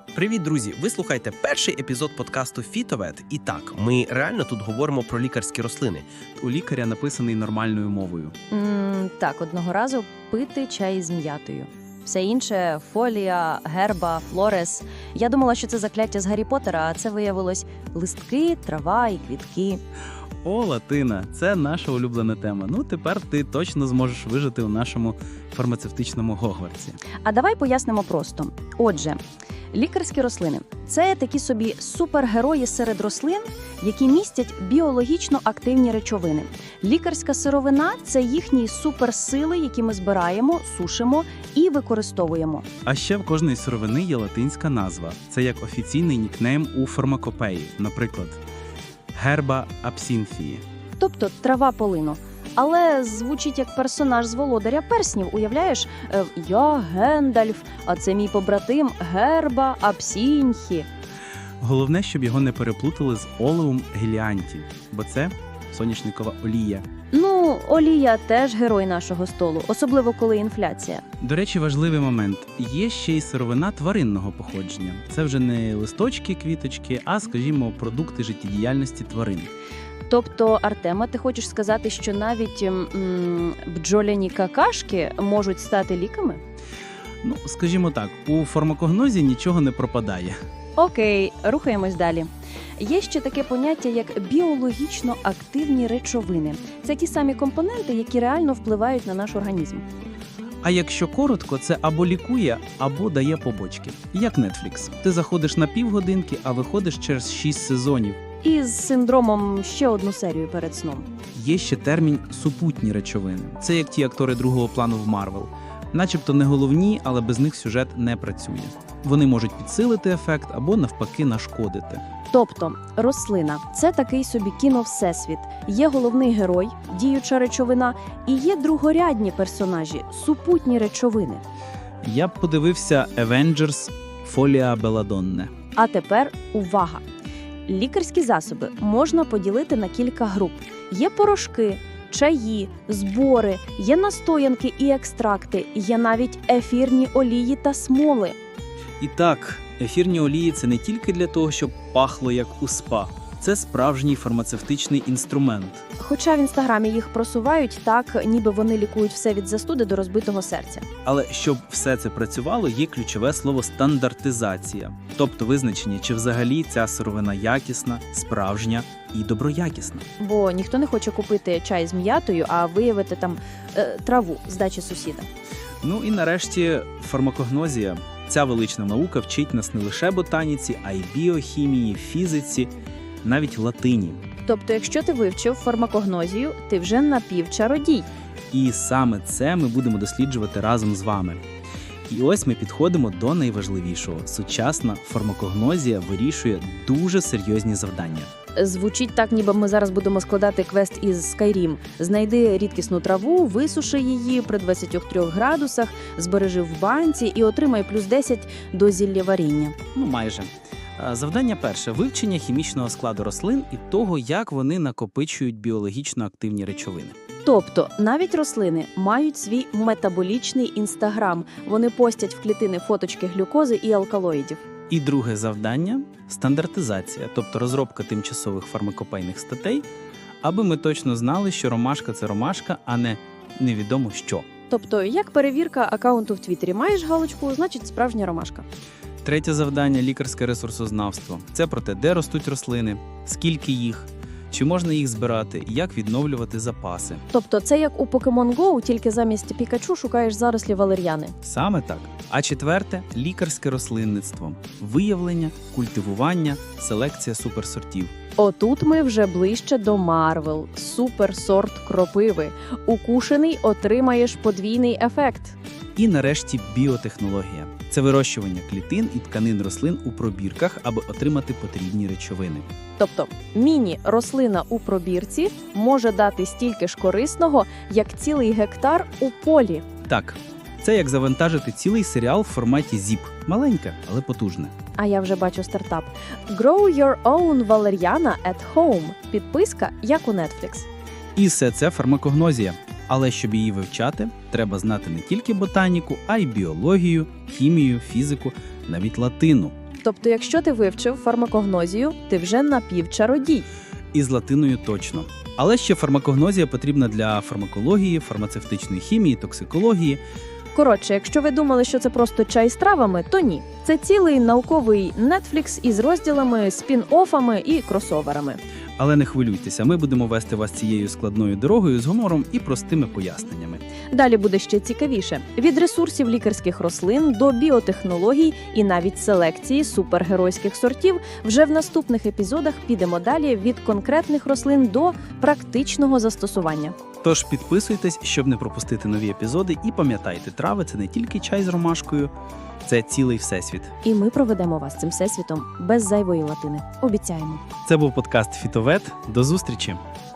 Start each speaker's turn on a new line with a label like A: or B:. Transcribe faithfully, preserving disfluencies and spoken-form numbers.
A: Привіт, друзі! Ви слухаєте перший епізод подкасту «Фітовет». І так, ми реально тут говоримо про лікарські рослини.
B: У лікаря написаний нормальною мовою.
C: М, так, одного разу пити чай з м'ятою. Все інше – фолія, герба, флорес. Я думала, що це закляття з Гаррі Поттера, а це виявилось листки, трава і квітки.
B: О, латина – це наша улюблена тема. Ну, тепер ти точно зможеш вижити у нашому фармацевтичному Гогвартсі.
C: А давай пояснимо просто. Отже, лікарські рослини – це такі собі супергерої серед рослин, які містять біологічно активні речовини. Лікарська сировина – це їхні суперсили, які ми збираємо, сушимо і використовуємо.
B: А ще в кожної сировини є латинська назва. Це як офіційний нікнейм у фармакопеї. Наприклад, герба абсінфії.
C: Тобто трава полину. Але звучить як персонаж з «Володаря перснів», уявляєш? Е, Я Гендальф, а це мій побратим Герба Абсінхі.
B: Головне, щоб його не переплутали з олеум геліанті, бо це соняшникова олія.
C: Ну, олія теж герой нашого столу, особливо коли інфляція.
B: До речі, важливий момент. Є ще й сировина тваринного походження. Це вже не листочки, квіточки, а, скажімо, продукти життєдіяльності тварин.
C: Тобто, Артема, ти хочеш сказати, що навіть м, бджоляні какашки можуть стати ліками?
B: Ну, скажімо так, у фармакогнозі нічого не пропадає.
C: Окей, рухаємось далі. Є ще таке поняття, як біологічно активні речовини. Це ті самі компоненти, які реально впливають на наш організм.
B: А якщо коротко, це або лікує, або дає побочки. Як Netflix. Ти заходиш на півгодинки, а виходиш через шість сезонів.
C: І з синдромом ще одну серію перед сном.
B: Є ще термін «супутні речовини». Це як ті актори другого плану в Марвел. Начебто не головні, але без них сюжет не працює. Вони можуть підсилити ефект або навпаки нашкодити.
C: Тобто, рослина – це такий собі кіно-всесвіт. Є головний герой, діюча речовина, і є другорядні персонажі – супутні речовини.
B: Я б подивився «Avengers Фолія Беладонне».
C: А тепер увага! Лікарські засоби можна поділити на кілька груп. Є порошки, чаї, збори, є настоянки і екстракти, є навіть ефірні олії та смоли.
B: І так, ефірні олії – це не тільки для того, щоб пахло як у спа. Це справжній фармацевтичний інструмент.
C: Хоча в Інстаграмі їх просувають так, ніби вони лікують все від застуди до розбитого серця.
B: Але щоб все це працювало, є ключове слово «стандартизація». Тобто визначення, чи взагалі ця сировина якісна, справжня і доброякісна.
C: Бо ніхто не хоче купити чай з м'ятою, а виявити там е, траву з дачі сусіда.
B: Ну і нарешті фармакогнозія. Ця велична наука вчить нас не лише ботаніці, а й біохімії, фізиці, навіть латині.
C: Тобто, якщо ти вивчив фармакогнозію, ти вже напівчародій.
B: І саме це ми будемо досліджувати разом з вами. І ось ми підходимо до найважливішого. Сучасна фармакогнозія вирішує дуже серйозні завдання.
C: Звучить так, ніби ми зараз будемо складати квест із Skyrim. Знайди рідкісну траву, висуши її при двадцяти трьох градусах, збережи в банці і отримай плюс десять до зіллєваріння.
B: Ну, майже. Завдання перше – вивчення хімічного складу рослин і того, як вони накопичують біологічно активні речовини.
C: Тобто, навіть рослини мають свій метаболічний інстаграм. Вони постять в клітини фоточки глюкози і алкалоїдів.
B: І друге завдання – стандартизація, тобто розробка тимчасових фармакопейних статей, аби ми точно знали, що ромашка – це ромашка, а не невідомо що.
C: Тобто, як перевірка акаунту в Твіттері. Маєш галочку – значить справжня ромашка.
B: Третє завдання – лікарське ресурсознавство. Це про те, де ростуть рослини, скільки їх, чи можна їх збирати, як відновлювати запаси.
C: Тобто, це як у Pokemon Go, тільки замість Пікачу шукаєш зарослі валер'яни.
B: Саме так. А четверте – лікарське рослинництво. Виявлення, культивування, селекція суперсортів.
C: Отут ми вже ближче до Марвел. Суперсорт кропиви. Укушений отримаєш подвійний ефект.
B: І нарешті біотехнологія. Це вирощування клітин і тканин рослин у пробірках, аби отримати потрібні речовини.
C: Тобто, міні-рослина у пробірці може дати стільки ж корисного, як цілий гектар у полі.
B: Так, це як завантажити цілий серіал в форматі зіп. Маленьке, але потужне.
C: А я вже бачу стартап. Grow your own valeriana at home. Підписка, як у Netflix.
B: І все це фармакогнозія. Але щоб її вивчати, треба знати не тільки ботаніку, а й біологію, хімію, фізику, навіть латину.
D: Тобто, якщо ти вивчив фармакогнозію, ти вже напівчародій.
B: І з латиною точно. Але ще фармакогнозія потрібна для фармакології, фармацевтичної хімії, токсикології.
D: Коротше, якщо ви думали, що це просто чай з травами, то ні. Це цілий науковий Netflix із розділами, спін-оффами і кросоверами.
B: Але не хвилюйтеся, ми будемо вести вас цією складною дорогою з гумором і простими поясненнями.
D: Далі буде ще цікавіше. Від ресурсів лікарських рослин до біотехнологій і навіть селекції супергеройських сортів вже в наступних епізодах підемо далі від конкретних рослин до практичного застосування.
B: Тож підписуйтесь, щоб не пропустити нові епізоди, і пам'ятайте, трави – це не тільки чай з ромашкою, це цілий всесвіт.
D: І ми проведемо вас цим всесвітом без зайвої латини. Обіцяємо.
B: Це був подкаст «Фітовет». До зустрічі!